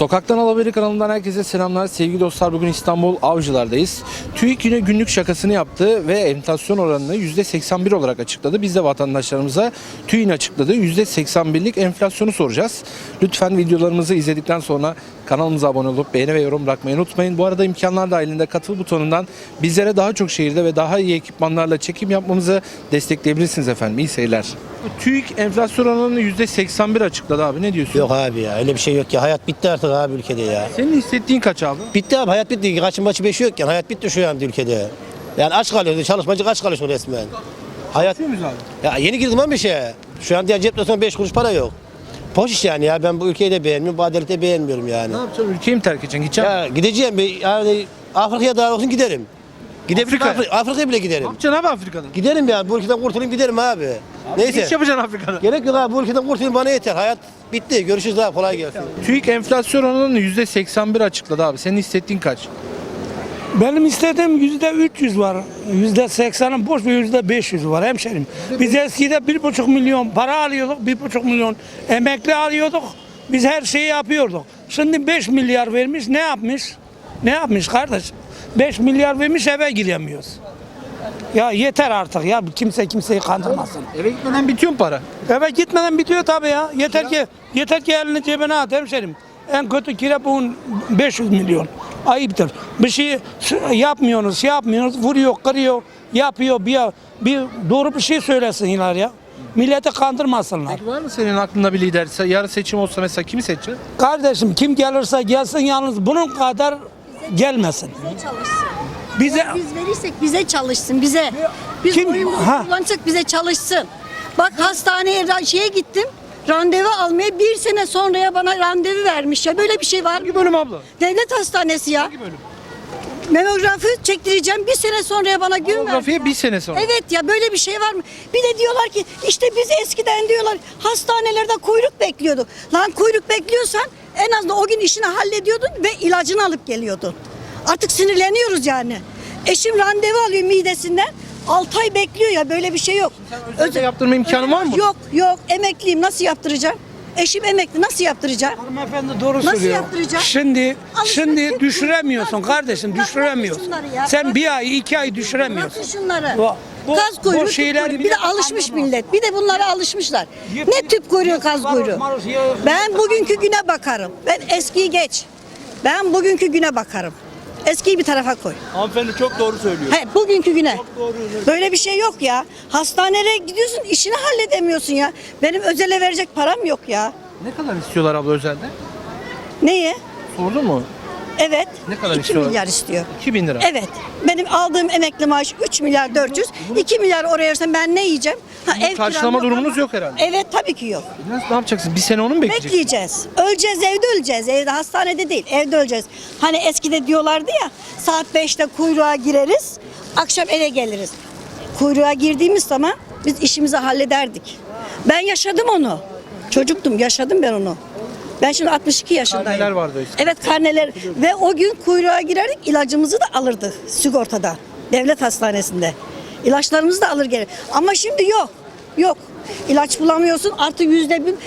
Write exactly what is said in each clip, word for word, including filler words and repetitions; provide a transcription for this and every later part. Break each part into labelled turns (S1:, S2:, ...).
S1: Sokaktan Alaberi kanalından herkese selamlar. Sevgili dostlar, bugün İstanbul Avcılar'dayız. TÜİK yine günlük şakasını yaptı ve enflasyon oranını yüzde seksen bir olarak açıkladı. Biz de vatandaşlarımıza TÜİK'in açıkladığı yüzde seksen birlik enflasyonu soracağız. Lütfen videolarımızı izledikten sonra kanalımıza abone olup beğeni ve yorum bırakmayı unutmayın. Bu arada imkanlar dahilinde katıl butonundan bizlere daha çok şehirde ve daha iyi ekipmanlarla çekim yapmamızı destekleyebilirsiniz efendim. İyi seyirler. TÜİK enflasyon oranını yüzde seksen bir açıkladı abi. Ne diyorsun?
S2: Yok abi ya, öyle bir şey yok ya. Hayat bitti artık abi ülkede ya.
S1: Senin hissettiğin kaç abi?
S2: Bitti abi, hayat bitti. Kaçın başı beşi yok yani. Hayat bitti şu an ülkede. Yani aç kalıyoruz, çalışmacı aç kalıyorsun resmen. Hayat...
S1: Değil miyiz abi?
S2: Ya yeni girdim ama bir şey. Şu an diğer cepte sonra beş kuruş para yok. Boş iş yani ya. Ben bu ülkeyi de beğenmiyorum, bu adaleti de beğenmiyorum yani.
S1: Ne yapacaksın? Ülkeyi mi terk edeceksin? Gideceksin mi?
S2: Ya gideceğim bir yani Afrika'ya daha olsun giderim. Gidebilirim,
S1: Afrika'ya?
S2: Afrika, Afrika'ya bile
S1: Ne
S2: giderim.
S1: yapacaksın abi Afrika'da?
S2: Giderim ya, bu ülkeden kurtulayım giderim abi.
S1: Ne
S2: Neyse.
S1: iş yapacaksın Afrika'da?
S2: Gerek yok abi, bu ülkeden kurtulayım bana yeter. Hayat bitti. Görüşürüz abi, kolay gelsin.
S1: TÜİK enflasyon oranını yüzde seksen bir açıkladı abi. Senin hissettiğin kaç?
S3: Benim istediğim yüzde üç yüz var. Yüzde seksenin boş ve yüzde beş yüz var hemşerim. Biz eskide bir buçuk milyon para alıyorduk, bir buçuk milyon emekli alıyorduk. Biz her şeyi yapıyorduk. Şimdi beş milyar vermiş, ne yapmış? Ne yapmış kardeş? beş milyar vermiş, eve giremiyoruz. Ya yeter artık ya, kimse kimseyi kandırmasın.
S1: Eve gitmeden bitiyor mu para?
S3: Eve gitmeden bitiyor tabii ya. Yeter ki yeter ki elini cebine at hemşerim. En kötü kira bugün beş yüz milyon. Ayıptır. Bir şey yapmıyorsunuz, şey yapmıyorsunuz, vuruyor, kırıyor, yapıyor. Bir, bir doğru bir şey söylesinler ya. Milleti kandırmasınlar.
S1: Peki var mı senin aklında bir lider? Yarın seçim olsa mesela kimi seçeceksin?
S3: Kardeşim kim gelirse gelsin, yalnız bunun kadar gelmesin.
S4: Bize çalışsın.
S3: Bize
S4: Eğer biz verirsek bize çalışsın, bize. Biz
S3: Kim-
S4: oyunu
S3: Ha.
S4: kullanacak, bize çalışsın. Bak hastaneye ra- şeye gittim. Randevu almaya bir sene sonraya bana randevu vermiş ya. Böyle bir şey var mı?
S1: Hangi bölüm abla?
S4: Devlet hastanesi ya.
S1: Hangi bölüm?
S4: Memografi çektireceğim. Bir sene sonraya bana gün verdi.
S1: Mamografiye bir sene sonra.
S4: Evet ya, böyle bir şey var mı? Bir de diyorlar ki işte biz eskiden diyorlar hastanelerde kuyruk bekliyorduk. Lan kuyruk bekliyorsan en azından o gün işini hallediyordun ve ilacını alıp geliyordun. Artık sinirleniyoruz yani. Eşim randevu alıyor midesinden. altı ay bekliyor ya, böyle bir şey yok.
S1: Özelde yaptırma imkanı var mı?
S4: Yok yok, emekliyim, nasıl yaptıracağım? Eşim emekli, nasıl yaptıracağım?
S3: Hanımefendi doğru
S4: Nasıl
S3: söylüyor.
S4: yaptıracağım?
S3: Şimdi
S4: Alışveriş
S3: şimdi
S4: yapıyorsun.
S3: düşüremiyorsun
S4: Bırak-
S3: kardeşim,
S4: bırak
S3: düşüremiyorsun.
S4: şunları ya,
S3: Sen
S4: bırak.
S3: bir ay, iki ay düşüremiyorsun.
S4: Bırakın şunları.
S3: Bu- bu-
S4: Kaz
S3: bu
S4: kuyruğu, tüp
S3: şeyler
S4: kuyruğu. Bir de
S3: millet
S4: alışmış
S3: anlamaz.
S4: millet. Bir de bunlara alışmışlar.
S3: Yıp-
S4: Ne tüp kuyruğu,
S3: yıp-
S4: kaz
S3: maruz-
S4: kuyruğu.
S3: maruz ya-
S4: Ben bugünkü güne bakarım. Ben eskiyi geç. Ben bugünkü güne bakarım. Eskiyi bir tarafa koy.
S5: Hanımefendi çok doğru söylüyor.
S4: He, bugünkü güne. Böyle bir şey yok ya. Hastaneye gidiyorsun, işini halledemiyorsun ya. Benim özele verecek param yok ya.
S1: Ne kadar istiyorlar abla özelde?
S4: Neye?
S1: Sordun mu?
S4: Evet.
S1: Ne kadar
S4: iki
S1: istiyorlar?
S4: milyar istiyor.
S1: iki bin lira.
S4: Evet. Benim aldığım emekli maaşı üç milyar dört yüz. iki milyar oraya versem ben ne yiyeceğim? Ha, ev
S1: karşılama
S4: kiram
S1: durumunuz
S4: ama-
S1: yok herhalde.
S4: Evet, tabii ki yok.
S1: Nasıl, ne yapacaksın? Bir sene onu mu bekleyeceksin?
S4: Bekleyeceğiz. Öleceğiz, evde öleceğiz. Evde, hastanede değil, evde öleceğiz. Hani eskide diyorlardı ya, saat beşte kuyruğa gireriz, akşam eve geliriz. Kuyruğa girdiğimiz zaman biz işimizi hallederdik. Ben yaşadım onu. Çocuktum, yaşadım ben onu. Ben şimdi altmış iki yaşındayım.
S1: Karneler vardı eskiden.
S4: Evet, karneler. Ve o gün kuyruğa girerdik, ilacımızı da alırdık sigortada. Devlet hastanesinde. İlaçlarımızı da alır gelir. Ama şimdi yok. Yok. İlaç bulamıyorsun. Artı yüzde bir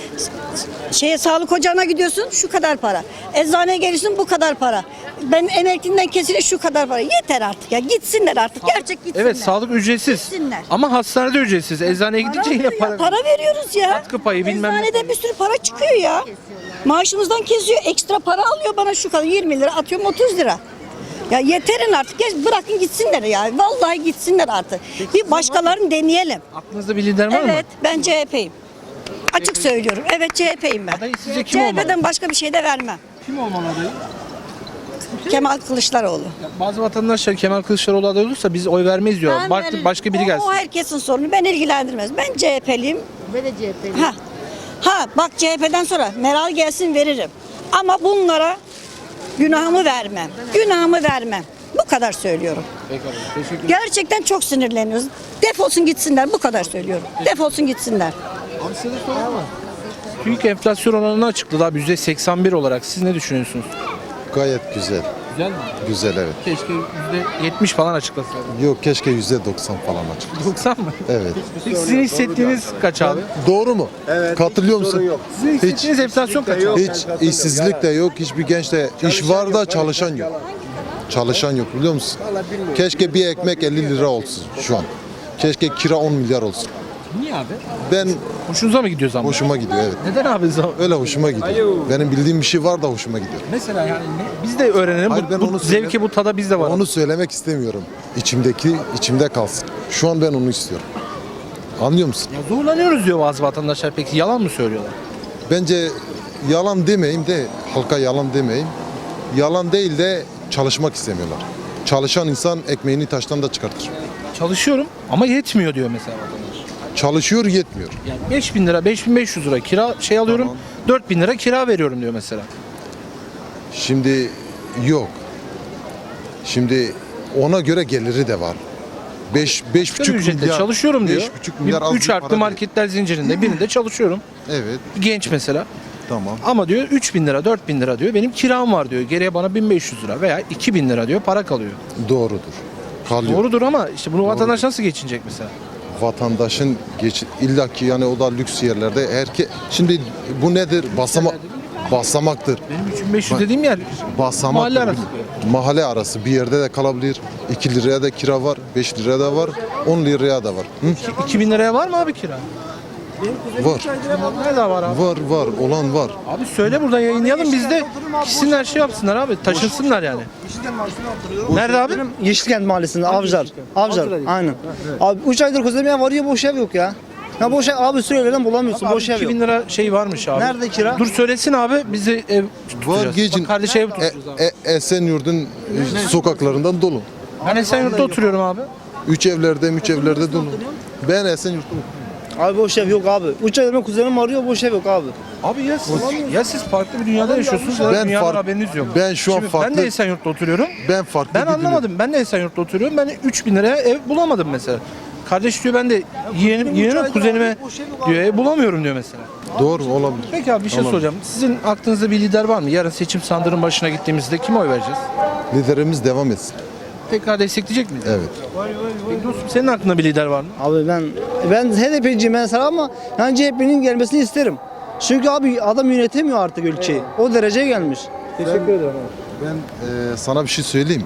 S4: şeye, sağlık ocağına gidiyorsun, şu kadar para. Eczaneye geliyorsun, bu kadar para. Ben emeklinden kesilir, şu kadar para. Yeter artık ya. Gitsinler artık. Gerçek gitsinler.
S1: Evet, sağlık ücretsiz.
S4: Gitsinler.
S1: Ama hastanede ücretsiz. Eczaneye gidince
S4: Para,
S1: yine
S4: veriyor,
S1: para.
S4: para veriyoruz ya.
S1: Katkı payı, bilmem ne.
S4: Eczanede bir sürü para çıkıyor ya. Maaşımızdan kesiyor. Ekstra para alıyor bana, şu kadar yirmi lira, atıyorum otuz lira. Ya yeterin artık. Geç, bırakın gitsinler ya. Vallahi gitsinler artık. Bir başkalarını deneyelim.
S1: Aklınızda bir lider var mı?
S4: Evet, ben C H P'yim. Açık söylüyorum. Evet, C H P'yim ben.
S1: Adayı sizce kim olmalı?
S4: C H P'den başka bir şey de vermem.
S1: Kim olmalı adayı?
S4: Kemal Kılıçdaroğlu.
S1: Bazı vatandaşlar Kemal Kılıçdaroğlu aday olursa biz oy vermeyiz diyor.
S4: Ben
S1: Bak,
S4: veririm.
S1: başka biri
S4: O-
S1: gelsin.
S4: O herkesin sorunu. Ben ilgilendirmez. Ben C H P'liyim.
S6: Ben de C H P'liyim.
S4: Ha. Ha bak, C H P'den sonra Meral gelsin, veririm. Ama bunlara günahımı vermem. Günahımı vermem. Bu kadar söylüyorum.
S1: Peki abla, teşekkür ederim.
S4: Gerçekten çok sinirleniyoruz. Defolsun gitsinler, bu kadar söylüyorum. Defolsun gitsinler.
S1: Abi size de soralım mı? TÜİK enflasyon oranını açıkladı abi yüzde seksen bir olarak. Siz ne düşünüyorsunuz?
S5: Gayet güzel.
S1: Güzel mi?
S5: Güzel evet.
S1: Keşke yüzde yetmiş falan açıklasaydın.
S5: Yok keşke yüzde doksan falan açık.
S1: doksan mı?
S5: Evet.
S1: Peki sizin hissettiğiniz kaç abi?
S5: Doğru mu? Evet. Katılıyor musun?
S1: Sizin hissettiğiniz enflasyon kaç abi?
S5: Hiç işsizlik de yok, hiçbir genç de iş var da çalışan yok. Çalışan yok biliyor musun? Keşke bir ekmek elli lira olsun şu an. Keşke kira on milyar olsun.
S1: Niye abi?
S5: Ben
S1: Hoşunuza mı gidiyor zaman?
S5: hoşuma gidiyor evet.
S1: Neden abi zam?
S5: Öyle hoşuma gidiyor. Benim bildiğim bir şey var da hoşuma gidiyor.
S1: Mesela yani ne? Biz de öğrenelim.
S5: Hayır,
S1: bu
S5: ben
S1: bu
S5: onu
S1: zevki,
S5: söyle-
S1: bu tada bizde var.
S5: Onu söylemek istemiyorum. İçimdeki içimde kalsın. Şu an ben onu istiyorum. Anlıyor musun?
S1: Ya zorlanıyoruz diyor bazı vatandaşlar. Peki yalan mı söylüyorlar?
S5: Bence yalan demeyeyim de halka yalan demeyeyim. Yalan değil de çalışmak istemiyorlar. Çalışan insan ekmeğini taştan da çıkartır.
S1: Çalışıyorum ama yetmiyor diyor mesela vatandaş.
S5: Çalışıyor yetmiyor.
S1: Yani beş bin lira, beş bin beş yüz lira kira şey alıyorum.
S5: Tamam.
S1: dört bin lira kira veriyorum diyor mesela.
S5: Şimdi yok. Şimdi ona göre geliri de var. beş beş
S1: Asgari
S5: buçuk
S1: ücretle
S5: milyar.
S1: çalışıyorum diyor.
S5: beş buçuk milyar az
S1: üç
S5: bir
S1: harfli
S5: para
S1: marketler zincirinde birinde çalışıyorum.
S5: değil. Evet.
S1: Genç mesela.
S5: Tamam.
S1: Ama diyor üç bin lira, dört bin lira diyor. Benim kiram var diyor. Geriye bana bin beş yüz lira veya iki bin lira diyor para kalıyor.
S5: Doğrudur. Kalıyor.
S1: Doğrudur ama işte bunu vatandaş nasıl geçinecek mesela?
S5: Vatandaşın geç illaki yani o da lüks yerlerde herke şimdi bu nedir? Basama basamaktır.
S1: Benim üç bin beş yüz dediğim yer
S5: Basamak
S1: mahalle arası.
S5: Mahalle arası bir yerde de kalabilir. iki liraya da kira var, beş liraya da var, on liraya da var. Hı?
S1: iki bin liraya var mı abi kira?
S5: Var.
S1: Nerede var abi?
S5: Var var olan var.
S1: Abi söyle buradan yayınlayalım biz de gitsinler şey yapsınlar abi taşınsınlar yani. Nerede abi?
S6: Benim Yeşilkent Mahallesi'nde Avcılar. Avcılar. Aynen. Abi üç aydır közlemeye varıyor boş ev yok ya. Ya boş ev abi sürelerden bulamıyorsun.
S1: Abi
S6: boş ev
S1: iki
S6: yok.
S1: bin lira şey varmış abi.
S6: Nerede kira?
S1: Dur söylesin abi bizi ev
S5: Var
S1: tutacağız.
S5: gecin.
S1: Bak kardeşe ev
S5: E,
S1: tutacağız abi.
S5: e, Esenyurt'un e, sokaklarından dolu.
S1: Ben Esenyurt'ta oturuyorum abi.
S5: Üç evlerde, üç evlerde dolu. Ben Esenyurt'ta
S6: Abi boş ev yok abi. Üç aydır benim kuzenim arıyor boş ev yok abi.
S1: Abi ya siz, ya siz farklı bir dünyada yaşıyorsunuz ya da
S5: Ben
S1: dünyadan
S5: fark-
S1: haberiniz yok.
S5: ben şu an
S1: Şimdi Ben
S5: farklı-
S1: de Esenyurt'ta oturuyorum.
S5: ben farklı
S1: Ben
S5: bir dünya-
S1: anlamadım. Ben de Esenyurt'ta oturuyorum. Ben üç bin liraya ev bulamadım mesela. Kardeş diyor ben de yeğenim, yeğenime, kuzenime diyor ev bulamıyorum diyor mesela.
S5: Doğru olabilir.
S1: Peki abi bir şey
S5: Tamam.
S1: soracağım. Sizin aklınızda bir lider var mı? Yarın seçim sandığının başına gittiğimizde kime oy vereceğiz?
S5: Liderimiz devam etsin.
S1: Tekrar destekleyecek miyiz?
S5: Evet.
S1: Peki dostum senin aklında bir lider var mı?
S6: Abi ben ben H D P'ciyim mesela ama yani C H P'nin gelmesini isterim. Çünkü abi adam yönetemiyor artık ülkeyi. O dereceye gelmiş. Teşekkür ederim.
S5: Ben e, sana bir şey söyleyeyim.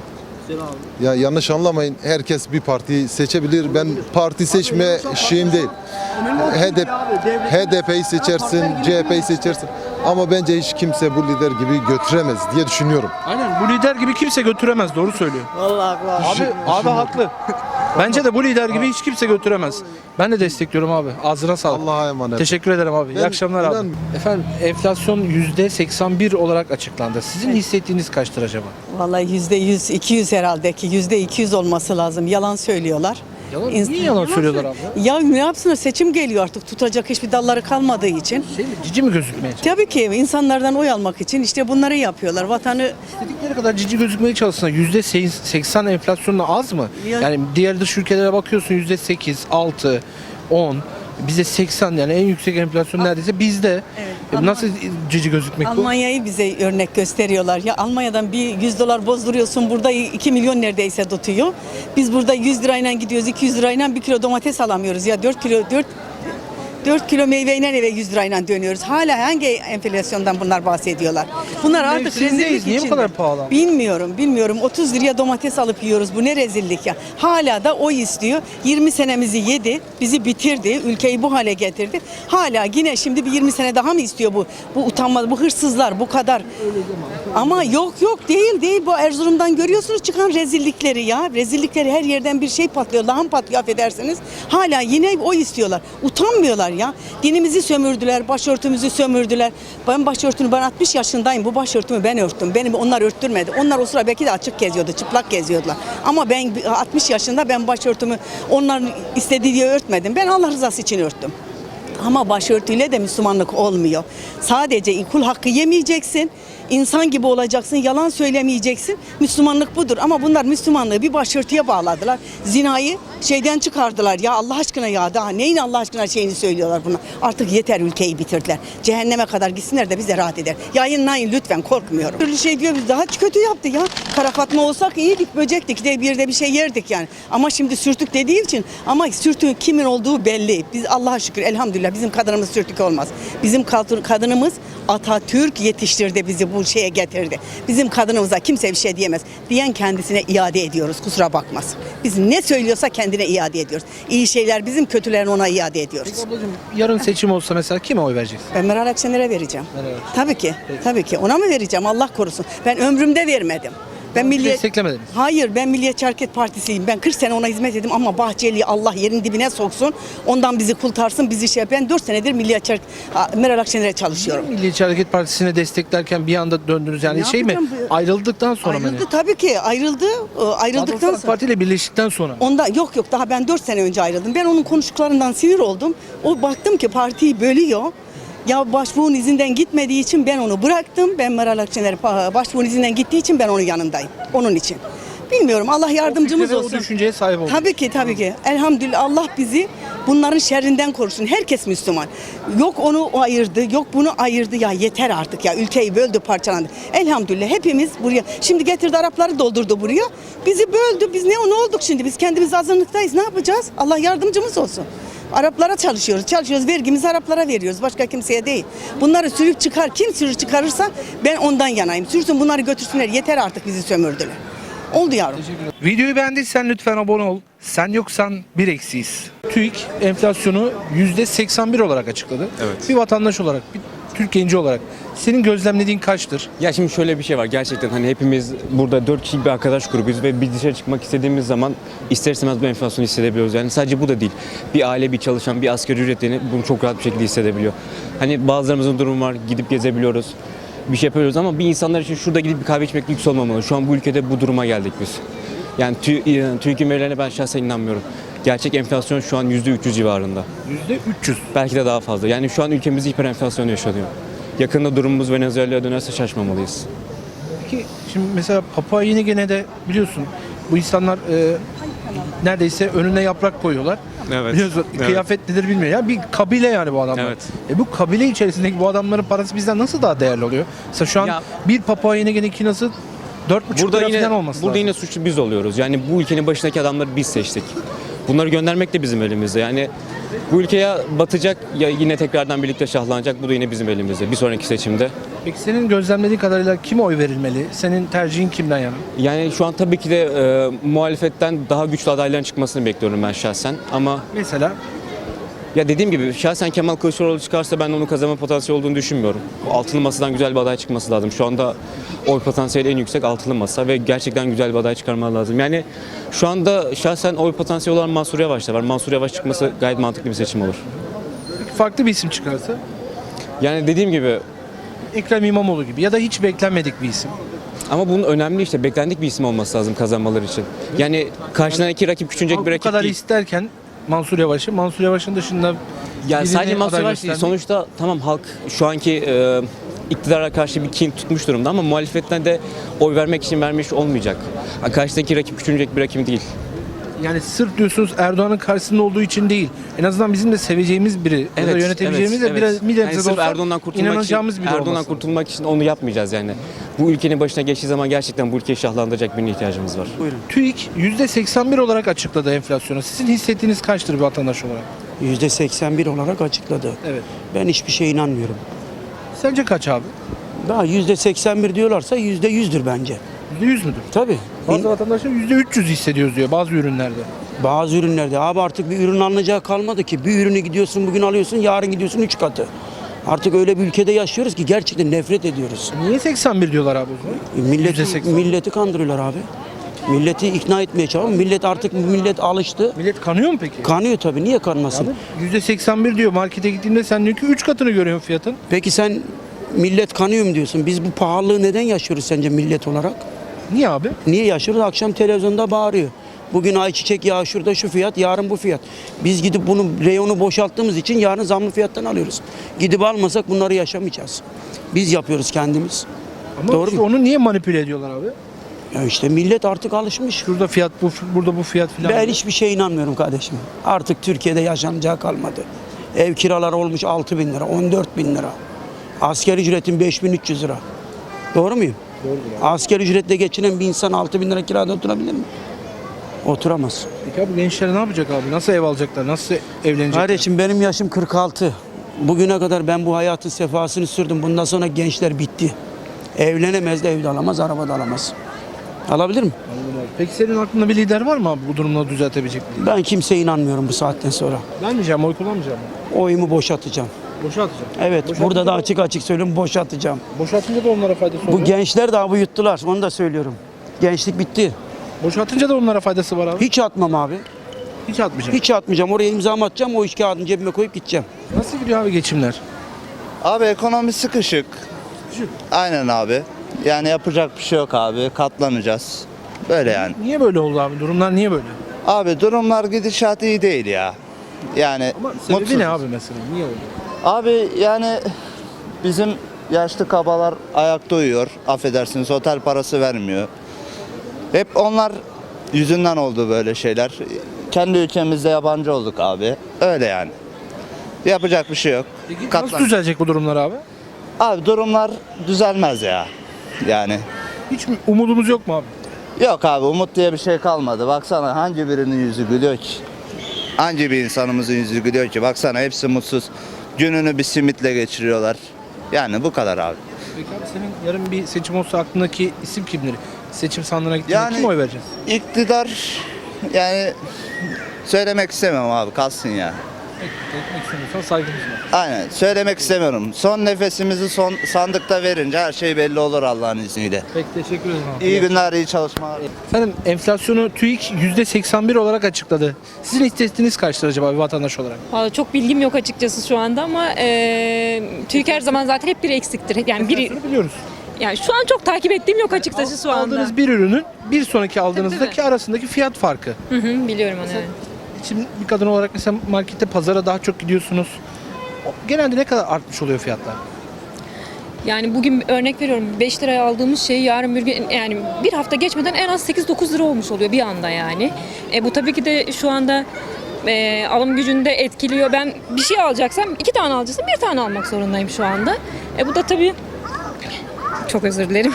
S5: Ya yanlış anlamayın. Herkes bir partiyi seçebilir. Ben parti seçme şeyim değil. H D P H D P'yi seçersin, C H P'yi seçersin. Ama bence hiç kimse bu lider gibi götüremez diye düşünüyorum.
S1: Aynen bu lider gibi kimse götüremez doğru söylüyor.
S6: Vallahi
S1: Abi abi haklı. Bence de bu lider gibi hiç kimse götüremez. Ben de destekliyorum abi. Ağzına sağlık.
S5: Allah'a emanet.
S1: Teşekkür ederim abi. İyi
S5: Ben
S1: akşamlar abi.
S5: inan-
S1: Efendim enflasyon yüzde seksen bir olarak açıklandı. Sizin hissettiğiniz kaçtır acaba?
S7: Vallahi yüzde yüz, iki yüz herhalde ki yüzde iki yüz olması lazım. Yalan söylüyorlar.
S1: Yalan,
S7: İns-
S1: niye yalan söylüyorlar abla?
S7: Ya ne yapsınlar? Seçim geliyor artık. Tutacak hiçbir dalları kalmadığı için.
S1: Şey mi, cici mi gözükmeye çalışıyor?
S7: Tabii ki insanlardan oy almak için işte bunları yapıyorlar. Vatanı
S1: İstedikleri kadar cici gözükmeye çalışsınlar. yüzde seksen enflasyonla az mı?
S7: Ya-
S1: Yani diğer dış ülkelere bakıyorsun yüzde sekiz, altı, on. Bize seksen yani en yüksek enflasyon neredeyse bizde.
S7: Evet.
S1: E, Nasıl cici gözükmek bu?
S7: Almanya'yı bize örnek gösteriyorlar. Ya Almanya'dan bir yüz dolar bozduruyorsun burada iki milyon neredeyse tutuyor. Biz burada yüz lirayla gidiyoruz iki yüz lirayla bir kilo domates alamıyoruz. Ya dört kilo dört dört kilo meyveyle eve yüz lirayla dönüyoruz. Hala hangi enflasyondan bunlar bahsediyorlar? Bunlar artık
S1: Mevsimindeyiz.
S7: rezillik
S1: Niye bu
S7: içinde.
S1: kadar pahalı?
S7: Bilmiyorum, bilmiyorum. otuz liraya domates alıp yiyoruz. Bu ne rezillik ya. Hala da o istiyor. yirmi senemizi yedi, bizi bitirdi, ülkeyi bu hale getirdi. Hala yine şimdi bir yirmi sene daha mı istiyor bu? Bu utanma, bu hırsızlar bu kadar. Ama yok yok değil değil. Bu Erzurum'dan görüyorsunuz çıkan rezillikleri ya. Rezillikleri her yerden bir şey patlıyor. Lağım patlıyor affedersiniz. Hala yine o istiyorlar. Utanmıyorlar ya. Dinimizi sömürdüler, başörtümüzü sömürdüler. Ben başörtünü ben altmış yaşındayım. Bu başörtümü ben örttüm. Benim onlar örttürmedi. Onlar o sıra belki de açık geziyordu, çıplak geziyordular. Ama ben altmış yaşında ben başörtümü onların istediği diye örtmedim. Ben Allah rızası için örttüm. Ama başörtüyle de Müslümanlık olmuyor. Sadece kul hakkı yemeyeceksin. İnsan gibi olacaksın, yalan söylemeyeceksin. Müslümanlık budur ama bunlar Müslümanlığı bir başörtüye bağladılar. Zinayı şeyden çıkardılar. Ya Allah aşkına ya daha neyin Allah aşkına şeyini söylüyorlar buna. Artık yeter, ülkeyi bitirdiler. Cehenneme kadar gitsinler de bize rahat eder. Yayınlayın lütfen, korkmuyorum. Türlü şey diyor, biz daha kötü yaptı ya. Kara Fatma olsak iyiydik, böcektik de bir de bir şey yerdik yani. Ama şimdi sürtük dediği için, ama sürtüğün kimin olduğu belli. Biz Allah'a şükür elhamdülillah bizim kadınımız sürtük olmaz. Bizim kadınımız Atatürk yetiştirdi, bizi bu şeye getirdi. Bizim kadınımıza kimse bir şey diyemez. Diyen kendisine iade ediyoruz, kusura bakmasın. Biz ne söylüyorsa kendine iade ediyoruz. İyi şeyler bizim, kötülerini ona iade ediyoruz.
S1: Peki ablacığım, yarın seçim olsa mesela kime oy vereceksin?
S7: Ben Meral Akşener'e vereceğim.
S1: Meral Akşener.
S7: Tabii ki. Tabii ki. Ona mı vereceğim? Allah korusun. Ben ömrümde vermedim. Ben Milliyet...
S1: Desteklemediniz.
S7: Hayır, ben Milliyetçi Hareket Partisiyim. Ben kırk sene ona hizmet ettim ama Bahçeli'yi Allah yerin dibine soksun. Ondan bizi kurtarsın, bizi şey. Ben dört senedir Milliyetçi Hareket... Meral Akşener'e çalışıyorum.
S1: Milliyetçi Hareket Partisi'ne desteklerken bir anda döndünüz yani
S7: Ne
S1: şey mi?
S7: yapacağım bu-
S1: Ayrıldıktan sonra mı?
S7: Ayrıldı tabii ki. Ayrıldı. Ee, Ayrıldıktan sonra.
S1: Parti ile birleştikten sonra.
S7: Ondan yok yok daha ben dört sene önce ayrıldım. Ben onun konuştuklarından sinir oldum. O baktım ki partiyi bölüyor. Ya başbuğun izinden gitmediği için ben onu bıraktım. Ben Meral Akşener başbuğun izinden gittiği için ben onun yanındayım. Onun için. Bilmiyorum, Allah yardımcımız
S1: fikre ve o
S7: olsun.
S1: düşünceye sahip olduk.
S7: Tabii ki tabii ki. Elhamdülillah Allah bizi bunların şerrinden korusun. Herkes Müslüman. Yok onu ayırdı, yok bunu ayırdı. Ya yeter artık ya. Ülkeyi böldü, parçalandı. Elhamdülillah hepimiz buraya. Şimdi getirdi Arapları doldurdu buraya. Bizi böldü. Biz ne, ne olduk şimdi? Biz kendimiz azınlıktayız. Ne yapacağız? Allah yardımcımız olsun. Araplara çalışıyoruz. Çalışıyoruz. Vergimizi Araplara veriyoruz. Başka kimseye değil. Bunları sürüp çıkar. Kim sürüp çıkarırsa ben ondan yanayım. Sürsün bunları götürsünler. Yeter artık bizi sömürdüler. Oldu yavrum.
S1: Videoyu beğendiysen lütfen abone ol. Sen yoksan bir eksiyiz. TÜİK enflasyonu yüzde seksen bir olarak açıkladı.
S8: Evet.
S1: Bir vatandaş olarak, bir Türk genci olarak senin gözlemlediğin kaçtır?
S8: Ya şimdi şöyle bir şey var, gerçekten hani hepimiz burada dört kişilik bir arkadaş grubuyuz ve bir dışarı çıkmak istediğimiz zaman ister istemez bu enflasyonu hissedebiliyoruz. Yani sadece bu da değil. Bir aile, bir çalışan, bir asgari ücretli bunu çok rahat bir şekilde hissedebiliyor. Hani bazılarımızın durumu var, gidip gezebiliyoruz, bir şey yapıyoruz ama bir insanlar için şurada gidip bir kahve içmek lüks olmamalı. Şu an bu ülkede bu duruma geldik biz. Yani TÜİK'in verilerine ben şahsen inanmıyorum. Gerçek enflasyon şu an yüzde üç yüz civarında.
S1: yüzde üç yüz.
S8: Belki de daha fazla. Yani şu an ülkemizde hiper enflasyon yaşanıyor. Yakında durumumuz Venezuela'ya dönerse şaşmamalıyız.
S1: Peki şimdi mesela Papua Yeni Gine'de biliyorsun bu insanlar e, neredeyse önüne yaprak koyuyorlar.
S8: Evet.
S1: Biliyorsun
S8: Evet.
S1: kıyafet nedir bilmiyor. Ya bir kabile yani bu adamlar.
S8: Evet.
S1: E bu kabile içerisindeki bu adamların parası bizden nasıl daha değerli oluyor? Mesela şu an
S8: Ya-
S1: bir Papua Yeni Gine kinası dört buçuk
S8: Burada
S1: lira
S8: yine
S1: falan olması
S8: burada
S1: lazım.
S8: yine suçlu biz oluyoruz. Yani bu ülkenin başındaki adamları biz seçtik. Bunları göndermek de bizim elimizde. Yani bu ülkeye batacak ya yine tekrardan birlikte şahlanacak. Bu da yine bizim elimizde. Bir sonraki seçimde.
S1: Peki senin gözlemlediğin kadarıyla kime oy verilmeli? Senin tercihin kimden yana?
S8: Yani şu an tabii ki de e, muhalefetten daha güçlü adayların çıkmasını bekliyorum ben şahsen. Ama
S1: Mesela
S8: ya dediğim gibi şahsen Kemal Kılıçdaroğlu çıkarsa ben onun kazanma potansiyeli olduğunu düşünmüyorum. Altılı Masa'dan güzel bir aday çıkması lazım. Şu anda oy potansiyeli en yüksek Altılı Masa ve gerçekten güzel bir aday çıkarmaları lazım. Yani şu anda şahsen oy potansiyeli olan Mansur Yavaş'ta var. Mansur Yavaş çıkması gayet mantıklı bir seçim olur.
S1: peki farklı bir isim çıkarsa
S8: Yani dediğim gibi
S1: Ekrem İmamoğlu gibi ya da hiç beklenmedik bir isim.
S8: ama bunun önemli işte beklendik bir isim olması lazım kazanmaları için. Yani karşıdan iki rakip küçülecek
S1: Halk
S8: bir
S1: bu
S8: rakip
S1: kadar
S8: değil.
S1: isterken Mansur Yavaş'ı, Mansur Yavaş'ın dışında
S8: Yani
S1: birini
S8: sadece Mansur
S1: aday
S8: Yavaş değil.
S1: göstermek-
S8: Sonuçta tamam halk şu anki e, iktidara karşı bir kin tutmuş durumda ama muhalefetten de oy vermek için vermiş olmayacak. Yani karşıdaki rakip küçülecek bir rakip değil.
S1: Yani sırf diyorsunuz Erdoğan'ın karşısında olduğu için değil. En azından bizim de seveceğimiz biri ya da yönetebileceğimiz de biraz
S8: Yani
S1: milletimize
S8: sırf
S1: olsa
S8: Erdoğan'dan kurtulmak
S1: inanacağımız
S8: için,
S1: biri
S8: Erdoğan'dan
S1: olması.
S8: kurtulmak için onu yapmayacağız yani. Bu ülkenin başına geçtiği zaman gerçekten bu ülkeyi şahlandıracak birine ihtiyacımız var.
S1: TÜİK yüzde seksen bir olarak açıkladı enflasyonu. Sizin hissettiğiniz kaçtır bir vatandaş olarak?
S9: yüzde seksen bir olarak açıkladı.
S1: Evet.
S9: Ben hiçbir şeye inanmıyorum.
S1: Sence kaç abi?
S9: Daha yüzde seksen bir diyorlarsa yüzde yüzdür bence.
S1: yüzde yüz müdür?
S9: Tabii.
S1: Bazı vatandaşlar yüzde üç yüz hissediyoruz diyor bazı ürünlerde.
S9: Bazı ürünlerde abi artık bir ürün alınacağı kalmadı ki. Bir ürünü gidiyorsun bugün alıyorsun yarın gidiyorsun üç katı. Artık öyle bir ülkede yaşıyoruz ki gerçekten nefret ediyoruz.
S1: Niye seksen bir diyorlar abi o zaman?
S9: Milleti,
S1: yüzde seksen.
S9: milleti kandırıyorlar abi. Milleti ikna etmeye çalışıyor. Millet artık millet alıştı.
S1: Millet kanıyor mu peki?
S9: Kanıyor tabii. Niye kanmasın?
S1: yüzde seksen bir diyor. Markete gittiğimde sen diyor ki üç katını görüyorsun fiyatın.
S9: Peki sen millet kanıyor mu diyorsun? Biz bu pahalılığı neden yaşıyoruz sence millet olarak?
S1: Niye abi?
S9: Niye yaşıyoruz? Akşam televizyonda bağırıyor. Bugün ayçiçek yağı şurada şu fiyat, yarın bu fiyat. Biz gidip bunu reyonu boşalttığımız için yarın zamlı fiyattan alıyoruz. Gidip almasak bunları yaşamayacağız. Biz yapıyoruz kendimiz.
S1: Ama
S9: Doğru
S1: işte
S9: mu?
S1: onu niye manipüle ediyorlar abi?
S9: Ya işte millet artık alışmış.
S1: Şurada fiyat bu, burada bu fiyat filan.
S9: Ben hiçbir şeye inanmıyorum kardeşim. Artık Türkiye'de yaşanacağı kalmadı. Ev kiraları olmuş altı bin lira, on dört bin lira. Asgari ücretin beş bin üç yüz lira. Doğru muyum? Doğru. Asgari ücretle geçinen bir insan altı bin lira kirada oturabilir mi? Oturamaz.
S1: Peki abi gençler ne yapacak abi? Nasıl ev alacaklar? Nasıl evlenecekler?
S9: Kardeşim benim yaşım kırk altı. Bugüne kadar ben bu hayatın sefasını sürdüm. Bundan sonra gençler bitti. Evlenemez de evde alamaz, araba da alamaz. Alabilir mi?
S1: Anladım abi. Peki senin aklında bir lider var mı abi bu durumları düzeltebilecek bir lider?
S9: Ben kimseye inanmıyorum bu saatten sonra.
S1: Vermeyeceğim, oy kullanmayacağım.
S9: Oyumu boşaltacağım.
S1: Boşa atacağım.
S9: Evet,
S1: Boşa
S9: burada da
S1: atınca
S9: açık açık söylüyorum, boşaltacağım.
S1: Boşa atınca da onlara faydası oluyor.
S9: Bu gençler daha bu yuttular, onu da söylüyorum. Gençlik bitti.
S1: Boşa atınca da onlara faydası var abi.
S9: Hiç atmam abi.
S1: Hiç atmayacağım.
S9: Hiç atmayacağım. Oraya imzamı atacağım, o iş kağıdını cebime koyup gideceğim.
S1: Nasıl gidiyor abi geçimler?
S10: Abi ekonomi sıkışık. Aynen abi. Yani yapacak bir şey yok abi. Katlanacağız. Böyle yani.
S1: Niye böyle oldu abi? Durumlar niye böyle?
S10: Abi durumlar gidişat iyi değil ya. Yani
S1: Ama sebebi
S10: mutsuz.
S1: ne abi mesela? Niye oldu?
S10: Abi yani bizim yaşlı kabalar ayakta uyuyor. Affedersiniz otel parası vermiyor. Hep onlar yüzünden oldu böyle şeyler. Kendi ülkemizde yabancı olduk abi. Öyle yani. Yapacak bir şey yok.
S1: Peki nasıl
S10: Katlan-
S1: düzelecek bu durumlar abi?
S10: Abi durumlar düzelmez ya. Yani
S1: Hiç mi- umudumuz yok mu abi?
S10: yok abi umut diye bir şey kalmadı. Baksana hangi birinin yüzü gülüyor ki? Hangi bir insanımızın yüzü gülüyor ki? Baksana hepsi mutsuz. Gününü bir simitle geçiriyorlar. Yani bu kadar abi.
S1: Peki abi senin yarın bir seçim olsa aklındaki isim kimdir? Seçim sandığına gittiğinde
S10: Yani-
S1: kim oy vereceğiz?
S10: İktidar yani söylemek istemem abi kalsın ya.
S1: Etmek istemiyorsan saygımız var.
S10: Aynen söylemek istemiyorum. Son nefesimizi son sandıkta verince her şey belli olur Allah'ın izniyle.
S1: Peki teşekkür ederim abi.
S10: İyi günler, iyi çalışmalar.
S1: Efendim enflasyonu TÜİK yüzde seksen bir olarak açıkladı. Sizin istediğiniz kaçtır acaba bir vatandaş olarak?
S11: Vallahi çok bilgim yok açıkçası şu anda ama e, TÜİK her zaman zaten hep biri eksiktir. Yani biri
S1: Enflasyonu biliyoruz.
S11: yani şu an çok takip ettiğim yok açıkçası şu anda.
S1: Aldığınız bir ürünün bir sonraki aldığınızdaki
S11: tabii.
S1: arasındaki fiyat farkı.
S11: Hı hı, biliyorum onu. Evet.
S1: Şimdi bir kadın olarak mesela markette pazara daha çok gidiyorsunuz. Genelde ne kadar artmış oluyor fiyatlar?
S11: Yani bugün örnek veriyorum beş liraya aldığımız şey yarın bir gün yani bir hafta geçmeden en az sekiz dokuz lira olmuş oluyor bir anda yani. E, bu tabii ki de şu anda e, alım gücünü de etkiliyor. Ben bir şey alacaksam iki tane alacaksam bir tane almak zorundayım şu anda. E, bu da tabii çok özür dilerim.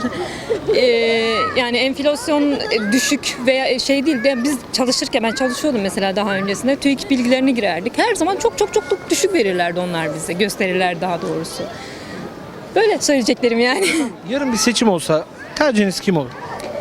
S11: Ee, yani enflasyon düşük veya şey değil. Ben biz çalışırken ben çalışıyordum mesela daha öncesinde. TÜİK bilgilerini girerdik. Her zaman çok çok çok çok düşük verirlerdi onlar bize. Gösterirler daha doğrusu. Böyle söyleyeceklerim yani.
S1: Yarın bir seçim olsa tercihiniz kim olur?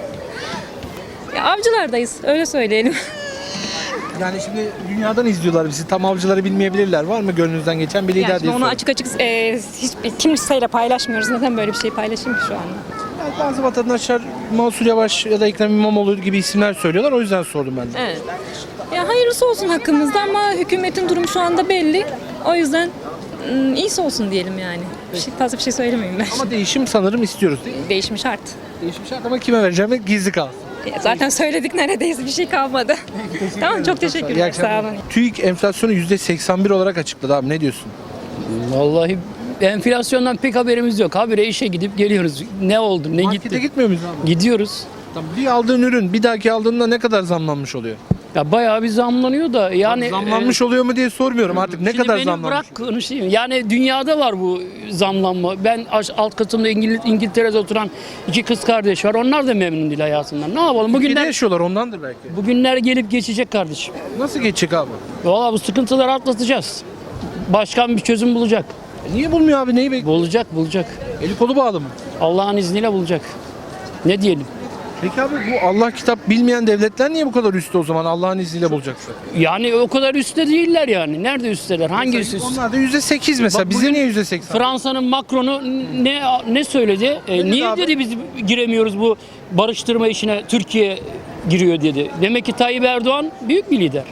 S11: Ya, avcılardayız öyle söyleyelim.
S1: Yani şimdi dünyadan izliyorlar bizi. Tam avcıları bilmeyebilirler. Var mı gönlünüzden geçen bir lider
S11: Yani
S1: diye
S11: şimdi onu
S1: soruyorum.
S11: açık açık e, hiç kimseyle paylaşmıyoruz. Neden böyle bir şey paylaşayım ki şu anda?
S1: Yani bazı vatandaşlar Mansur Yavaş ya da Ekrem İmamoğlu gibi isimler söylüyorlar. O yüzden sordum ben de.
S11: Evet. Ya hayırlısı olsun hakkımızda ama hükümetin durumu şu anda belli. O yüzden ım, iyisi olsun diyelim yani. Bir şey, fazla bir şey söylemeyeyim ben.
S1: Ama değişim sanırım istiyoruz değil mi?
S11: Değişim şart.
S1: Değişim şart ama kime vereceğim gizli kalsın.
S11: Ya zaten söyledik neredeyse bir şey kalmadı. Tamam çok
S1: İyi
S11: teşekkürler.
S1: akşamlar.
S11: Sağ olun.
S1: TÜİK enflasyonu yüzde seksen bir olarak açıkladı abi. Ne diyorsun?
S12: Vallahi enflasyondan pek haberimiz yok. Habire işe gidip geliyoruz. Ne oldu, ne
S1: Markete
S12: gitti?
S1: gitmiyor muyuz abi?
S12: Gidiyoruz.
S1: Tamam, bir aldığın ürün bir dahaki aldığında ne kadar zamlanmış oluyor?
S12: Ya bayağı bir zamlanıyor da yani
S1: zamlanmış oluyor mu diye sormuyorum artık. Ne
S12: Şimdi
S1: kadar
S12: beni
S1: zamlanmış?
S12: bırak konuşayım. Yani dünyada var bu zamlanma. Ben aş- alt katımda İngil- İngiltere'de oturan iki kız kardeş var. Onlar da memnun değil hayatından. Ne yapalım?
S1: Bugünler
S12: Bugünler
S1: yaşıyorlar ondandır belki.
S12: bugünler gelip geçecek kardeşim.
S1: Nasıl geçecek abi?
S12: Valla bu sıkıntıları atlatacağız. Başkan bir çözüm bulacak.
S1: E niye bulmuyor abi? Neyi bekliyor?
S12: Bulacak, bulacak.
S1: Eli kolu bağlı mı?
S12: Allah'ın izniyle bulacak. Ne diyelim?
S1: Peki abi bu Allah kitap bilmeyen devletler niye bu kadar üstte o zaman Allah'ın izniyle bulacaksa?
S12: Yani o kadar üstte değiller yani. Nerede üstteler? Hangi üst?
S1: Onlar da yüzde sekiz mesela.
S12: Bak
S1: Bize
S12: bugün
S1: niye yüzde seksen?
S12: Fransa'nın Macron'u ne ne söyledi? E,
S1: dedi
S12: niye
S1: abi?
S12: dedi biz giremiyoruz bu barıştırma işine, Türkiye giriyor dedi. Demek ki Tayyip Erdoğan büyük bir lider.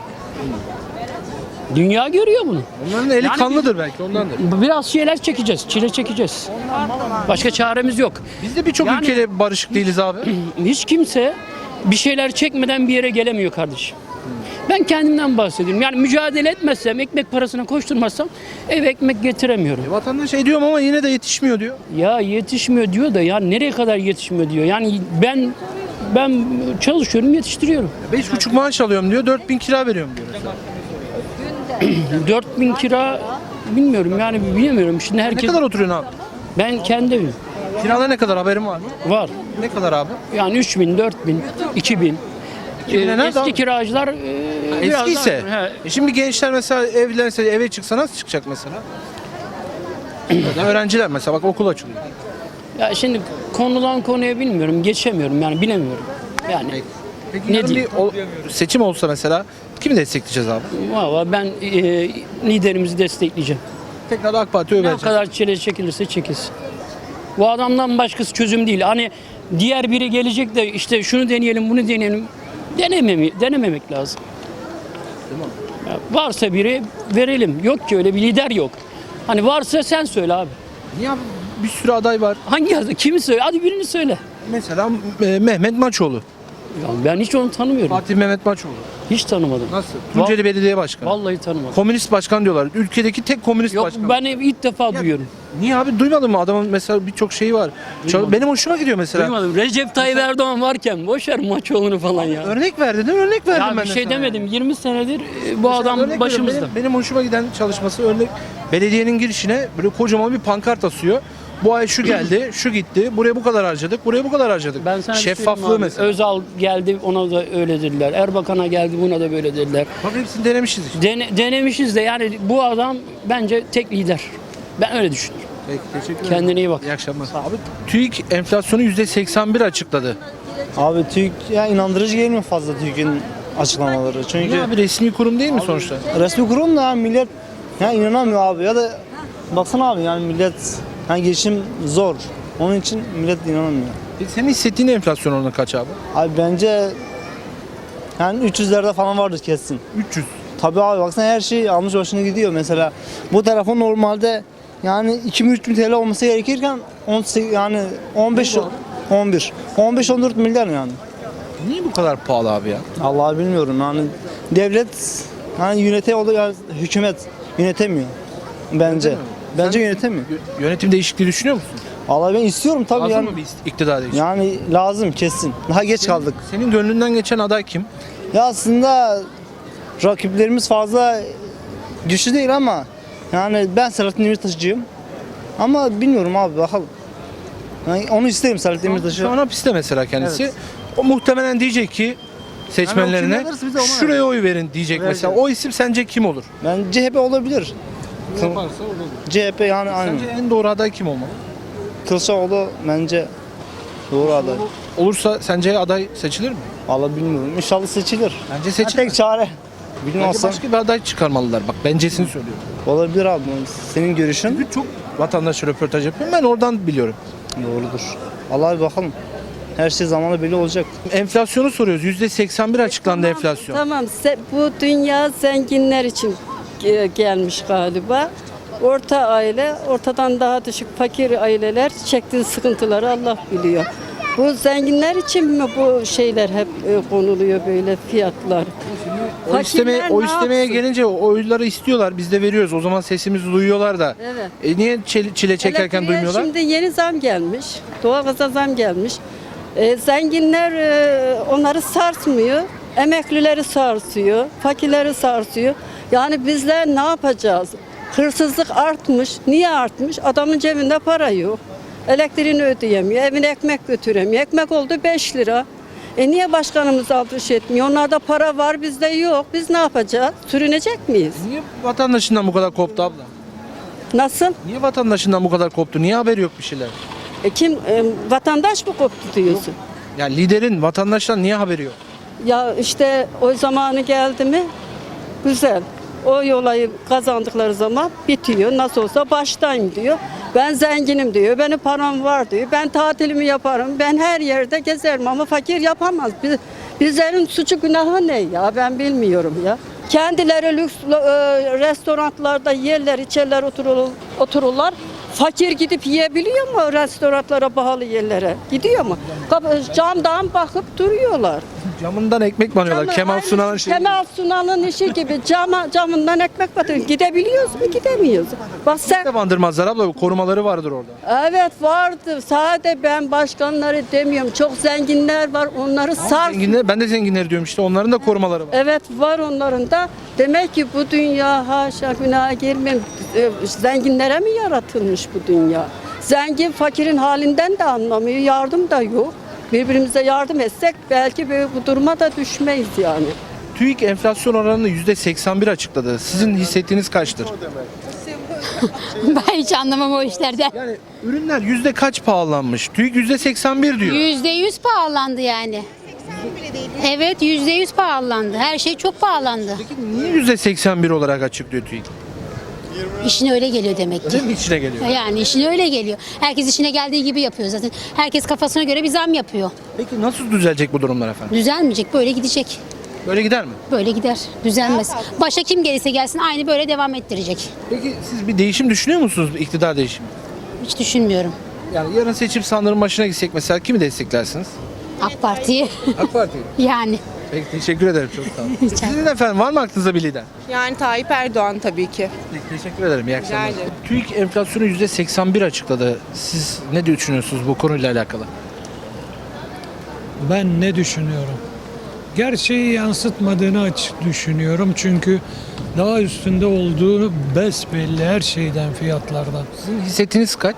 S12: Dünya görüyor bunu.
S1: Onların eli
S12: Yani
S1: kanlıdır belki ondandır.
S12: Biraz şeyler çekeceğiz, çile çekeceğiz. Başka çaremiz yok.
S1: Biz de birçok
S12: Yani-
S1: ülkede barışık değiliz abi.
S12: Hiç kimse bir şeyler çekmeden bir yere gelemiyor kardeşim. Ben kendimden bahsediyorum. Yani mücadele etmezsem, ekmek parasına koşturmazsam eve ekmek getiremiyorum.
S1: E, vatandaş ediyorum ama yine de yetişmiyor diyor.
S12: Ya yetişmiyor diyor da ya nereye kadar yetişmiyor diyor. Yani ben ben çalışıyorum, yetiştiriyorum.
S1: Beş buçuk maaş alıyorum diyor, dört bin kira veriyorum diyor mesela.
S12: dört bin kira bilmiyorum yani bilmiyorum. Şimdi
S1: Ne
S12: herkes
S1: kadar oturuyorsun abi?
S12: ben kendi evim
S1: Kirada ne kadar haberin var mı?
S12: var.
S1: Ne kadar abi?
S12: Yani üç bin, dört bin, iki bin.
S1: iki bine
S12: Ee,
S1: nerede
S12: eski
S1: abi?
S12: kiracılar e, biraz
S1: Eski ise.
S12: daha- he,
S1: E şimdi gençler mesela evlense eve çıksa nasıl çıkacak mesela? Ya da öğrenciler mesela bak okul açılıyor.
S12: ya şimdi konudan konuya bilmiyorum, geçemiyorum yani bilemiyorum. Yani
S1: Peki
S12: Ne
S1: yarın bir
S12: diyeyim?
S1: o- seçim olsa mesela kimi destekleyeceğiz abi?
S12: valla ben e, liderimizi destekleyeceğim.
S1: Tekrar AK Parti'ye oy
S12: Ne
S1: vereceğiz.
S12: kadar çile çekilirse çekilsin. Bu adamdan başkası çözüm değil. Hani diğer biri gelecek de işte şunu deneyelim, bunu deneyelim. Denememi, denememek lazım. Ya varsa biri verelim. Yok ki öyle bir lider yok. Hani varsa sen söyle abi.
S1: Niye abi? Bir sürü aday var.
S12: Hangi adı? Kimi söyle? Hadi birini söyle.
S1: Mesela e, Mehmet Maçoğlu.
S12: Ya ben hiç onu tanımıyorum.
S1: Fatih Mehmet Maçoğlu.
S12: Hiç tanımadım.
S1: Nasıl? Tunceli Belediye Başkanı.
S12: Vallahi tanımadım.
S1: Komünist başkan diyorlar. Ülkedeki tek komünist
S12: Yok
S1: başkan.
S12: ben ilk defa duyuyorum.
S1: Niye abi duymadın mı? Adamın mesela birçok şeyi var. Çal- Benim hoşuma gidiyor mesela.
S12: Duymadım. Recep Tayyip Erdoğan varken boş ver Maçoğlu'nu falan ya.
S1: Örnek ver dedim, örnek verdim
S12: Ya
S1: ben
S12: bir
S1: de
S12: şey
S1: sana.
S12: demedim. yirmi senedir e, bu
S1: Mesela
S12: adam
S1: örnek veriyorum.
S12: başımızda.
S1: Benim, benim hoşuma giden çalışması örnek. Belediyenin girişine böyle kocaman bir pankart asıyor. Bu ay şu geldi, şu gitti. Buraya bu kadar harcadık, buraya bu kadar harcadık.
S12: Ben sana bir şey
S1: Şeffaflığı
S12: söyleyeyim abi.
S1: mesela.
S12: Özal geldi ona da öyle dediler. Erbakan'a geldi buna da böyle dediler.
S1: Bak hepsini denemişiz işte.
S12: Dene- denemişiz de yani bu adam bence tek lider. Ben öyle düşünüyorum.
S1: Peki, teşekkür ederim.
S12: Kendine iyi bak.
S1: İyi akşamlar. Abi TÜİK enflasyonu yüzde seksen bir açıkladı.
S6: Abi TÜİK ya inandırıcı gelmiyor fazla TÜİK'in açıklamaları. Çünkü
S1: Niye abi resmi kurum değil mi sonuçta?
S6: resmi kurum da millet ya inanamıyor abi ya da baksana abi yani millet yani geçim zor. Onun için millet inanamıyor.
S1: Peki senin hissettiğin enflasyon oranı kaç abi?
S6: Abi bence yani üç yüzlerde falan vardır kesin.
S1: üç yüz.
S6: Tabii abi baksana her şey almış başına gidiyor. Mesela bu telefon normalde yani iki bin üç bin T L olması gerekirken on sekiz yani on beş on bir on beş on dört milyar yani.
S1: Niye bu kadar pahalı abi ya?
S6: Vallahi bilmiyorum yani devlet yani yönetiyor yani hükümet yönetemiyor bence. Bence yönetemiyor.
S1: Yö- Yönetim değişikliği düşünüyor musun?
S6: Vallahi ben istiyorum tabii
S1: Lazım
S6: yani.
S1: mı bir ist- iktidar değişikliği?
S6: Yani lazım kesin. Daha geç kaldık.
S1: Senin gönlünden geçen aday kim?
S6: Ya aslında rakiplerimiz fazla güçlü değil ama yani ben Selahattin Demirtaş'cıyım. Ama bilmiyorum abi bakalım. Yani onu isterim Selahattin Demirtaş'ı.
S1: Şu an hapiste mesela kendisi.
S6: Evet.
S1: O muhtemelen diyecek ki seçmenlerine
S6: Yani o kim alırsa biz de ona
S1: şuraya oy verin diyecek
S6: Vereceğiz.
S1: mesela. O isim sence kim olur?
S6: Ben C H P olabilir. C H P yani aynı.
S1: Sence en doğru aday kim olmalı?
S6: Kılıçdaroğlu bence doğru aday.
S1: Olursa sence aday seçilir mi?
S6: Vallahi bilmiyorum. İnşallah seçilir.
S1: Bence
S6: Ya
S1: seçilir.
S6: tek çare.
S1: Bence
S6: Bilmezsem
S1: başka bir aday çıkarmalılar. Bak bencesini söylüyorum.
S6: olabilir abi. Senin görüşün
S1: Çünkü çok vatandaş röportaj yapıyorum. Ben oradan biliyorum.
S6: doğrudur. Allah'a bir bakalım. Her şey zamanla belli olacak.
S1: Enflasyonu soruyoruz. yüzde seksen bir açıklandı enflasyon.
S4: Tamam, se- bu dünya zenginler için ge- gelmiş galiba. Orta aile, ortadan daha düşük fakir aileler çektiği sıkıntıları Allah biliyor. Bu zenginler için mi bu şeyler hep e, konuluyor böyle fiyatlar?
S1: O istemeye,
S4: Fakirler
S1: o
S4: ne
S1: istemeye
S4: yapsın?
S1: gelince o oyları istiyorlar. Biz de veriyoruz. O zaman sesimizi duyuyorlar da.
S4: Evet.
S1: E niye çile, çile çekerken
S4: Elektriğe
S1: duymuyorlar?
S4: Şimdi yeni zam gelmiş. Doğalgaza zam gelmiş. E, zenginler e, onları sarsmıyor. Emeklileri sarsıyor. Fakirleri sarsıyor. Yani bizler ne yapacağız? Hırsızlık artmış. Niye artmış? Adamın cebinde para yok. Elektriğini ödeyemiyor. Evine ekmek götüremiyor. Ekmek oldu beş lira. E niye başkanımız alış etmiyor? Onlarda para var, bizde yok. Biz ne yapacağız? Sürünecek miyiz?
S1: Niye vatandaşından bu kadar koptu abla?
S4: Nasıl?
S1: Niye vatandaşından bu kadar koptu? Niye haberi yok bir şeyler?
S4: E kim e, vatandaş mı koptu diyorsun?
S1: Yani liderin vatandaştan niye haberi yok?
S4: Ya işte o zamanı geldi mi güzel. O olayı kazandıkları zaman bitiyor. Nasıl olsa baştayım diyor. Ben zenginim diyor. Benim param var diyor. Ben tatilimi yaparım. Ben her yerde gezerim ama fakir yapamaz. Biz, bizlerin suçu günahı ne ya? Ben bilmiyorum ya. Kendileri lüks e, restoranlarda yerler, içerler, oturur, otururlar. Fakir gidip yiyebiliyor mu restoranlara, pahalı yerlere? Gidiyor mu? Kapı- Camdan bakıp duruyorlar.
S1: Camından ekmek banıyorlar.
S4: Camı-
S1: Kemal
S4: aynı
S1: Sunal'ın şeyi.
S4: Kemal Sunal'ın işi gibi cama, camından ekmek batıyor. Gidebiliyoruz mu? Gidemiyoruz. Bak sen,
S1: de bandırmazlar abla. Korumaları vardır orada.
S4: evet vardı. Sade ben başkanları demiyorum. Çok zenginler var. Onları sar.
S1: Zenginler, ben de zenginler diyorum işte. Onların da korumaları var.
S4: Evet var onların da. Demek ki bu dünya haşa günaha girmem. e, Zenginlere mi yaratılmış bu dünya? Zengin fakirin halinden de anlamıyor. Yardım da yok. Birbirimize yardım etsek belki böyle bu duruma da düşmeyiz yani.
S1: TÜİK enflasyon oranını yüzde seksen bir açıkladı. Sizin hissettiğiniz kaçtır?
S13: Ben hiç anlamam o işlerden.
S1: Yani ürünler yüzde kaç pahalanmış? TÜİK yüzde seksen bir diyor.
S13: Yüzde yüz pahalandı yani. Evet yüzde yüz pahalandı. Her şey çok pahalandı.
S1: Niye yüzde seksen bir olarak açıklıyor TÜİK?
S13: İşine öyle geliyor demek ki.
S1: Öyle mi içine geliyor?
S13: Yani işine öyle geliyor. Herkes işine geldiği gibi yapıyor zaten. Herkes kafasına göre bir zam yapıyor.
S1: Peki nasıl düzelecek bu durumlar efendim?
S13: Düzelmeyecek, böyle gidecek.
S1: Böyle gider mi?
S13: Böyle gider, düzelmez. Başa kim gelirse gelsin aynı böyle devam ettirecek.
S1: Peki siz bir değişim düşünüyor musunuz? İktidar değişimi.
S13: Hiç düşünmüyorum.
S1: Yani yarın seçim sandığının başına gitsek mesela kimi desteklersiniz?
S13: AK Parti'yi
S1: AK Parti.
S13: yani.
S1: Peki teşekkür ederim, çok sağ olun. Sizin efendim var mı aklınızda bir lider?
S7: Yani Tayyip Erdoğan tabii ki.
S1: Peki, teşekkür ederim. İyi akşamlar.
S7: ederim.
S1: TÜİK enflasyonu yüzde seksen bir açıkladı. Siz ne düşünüyorsunuz bu konuyla alakalı?
S3: Ben ne düşünüyorum? Gerçeği yansıtmadığını açık düşünüyorum. Çünkü daha üstünde olduğunu besbelli her şeyden, fiyatlardan.
S1: Sizin hissettiğiniz kaç?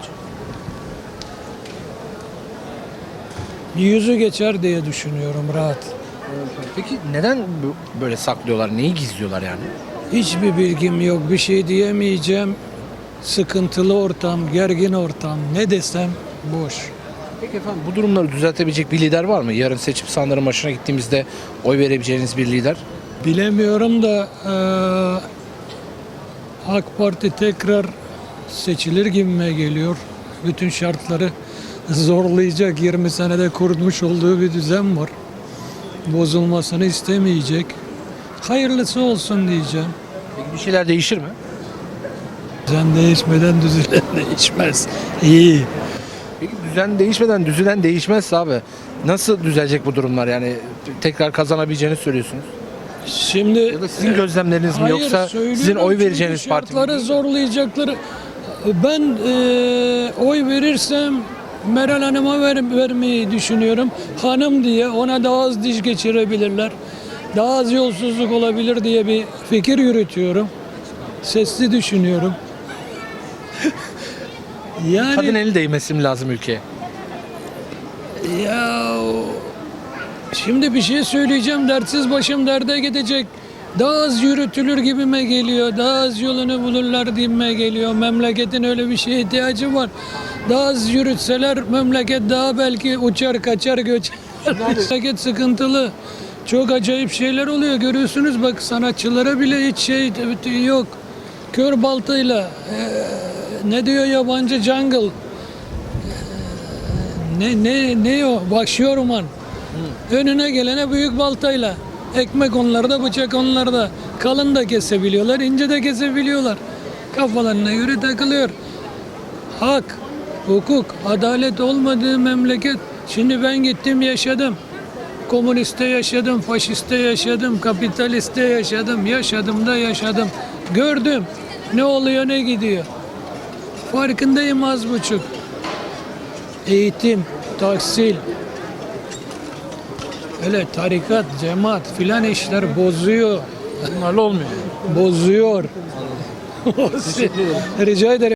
S3: Yüzü geçer diye düşünüyorum rahat.
S1: Peki neden bu- böyle saklıyorlar? Neyi gizliyorlar yani?
S3: Hiçbir bilgim yok, bir şey diyemeyeceğim. Sıkıntılı ortam, gergin ortam, ne desem boş.
S1: Peki efendim bu durumları düzeltebilecek bir lider var mı? Yarın seçim sandığının başına gittiğimizde oy verebileceğiniz bir lider.
S3: Bilemiyorum da eee AK Parti tekrar seçilir gibime geliyor. Bütün şartları zorlayacak, yirmi senede kurmuş olduğu bir düzen var. Bozulmasını istemeyecek. Hayırlısı olsun diyeceğim.
S1: Peki bir şeyler değişir mi?
S3: Düzen değişmeden düzen değişmez. İyi.
S1: Peki düzen değişmeden düzülen değişmezse abi nasıl düzelecek bu durumlar? Yani tekrar kazanabileceğini söylüyorsunuz.
S3: Şimdi
S1: Ya da sizin gözlemleriniz mi
S3: hayır,
S1: yoksa
S3: söylüyorum
S1: sizin oy
S3: çünkü
S1: vereceğiniz parti mi?
S3: şartları zorlayacakları. Ben eee, oy verirsem Meral Hanım'a ver, vermeyi düşünüyorum. Hanım diye ona daha az diş geçirebilirler. Daha az yolsuzluk olabilir diye bir fikir yürütüyorum. Sesli düşünüyorum. yani
S1: Kadın eli değmesi mi lazım ülkeye?
S3: ya şimdi bir şey söyleyeceğim, dertsiz başım derde gidecek. Daha az yürütülür gibime geliyor. Daha az yolunu bulurlar gibime geliyor. Memleketin öyle bir şeye ihtiyacı var. Daha az yürütseler memleket daha belki uçar kaçar göçer. Memleket sıkıntılı. Çok acayip şeyler oluyor. Görüyorsunuz bak, sanatçılara bile hiç şey yok. Kör baltayla eee, ne diyor yabancı jungle. Eee, ne ne ne o? Vahşi orman. Önüne gelene büyük baltayla. Ekmek onlarda, bıçak onlarda. Kalın da kesebiliyorlar, ince de kesebiliyorlar. Kafalarına göre takılıyor. Hak, hukuk, adalet olmadığı memleket. Şimdi ben gittim yaşadım. Komüniste yaşadım, faşiste yaşadım, kapitaliste yaşadım. Yaşadım da yaşadım. Gördüm ne oluyor ne gidiyor. Farkındayım az buçuk. Eğitim, tahsil, öyle tarikat, cemaat filan işler bozuyor.
S1: Bunlarla olmuyor.
S3: Bozuyor. Rica ederim.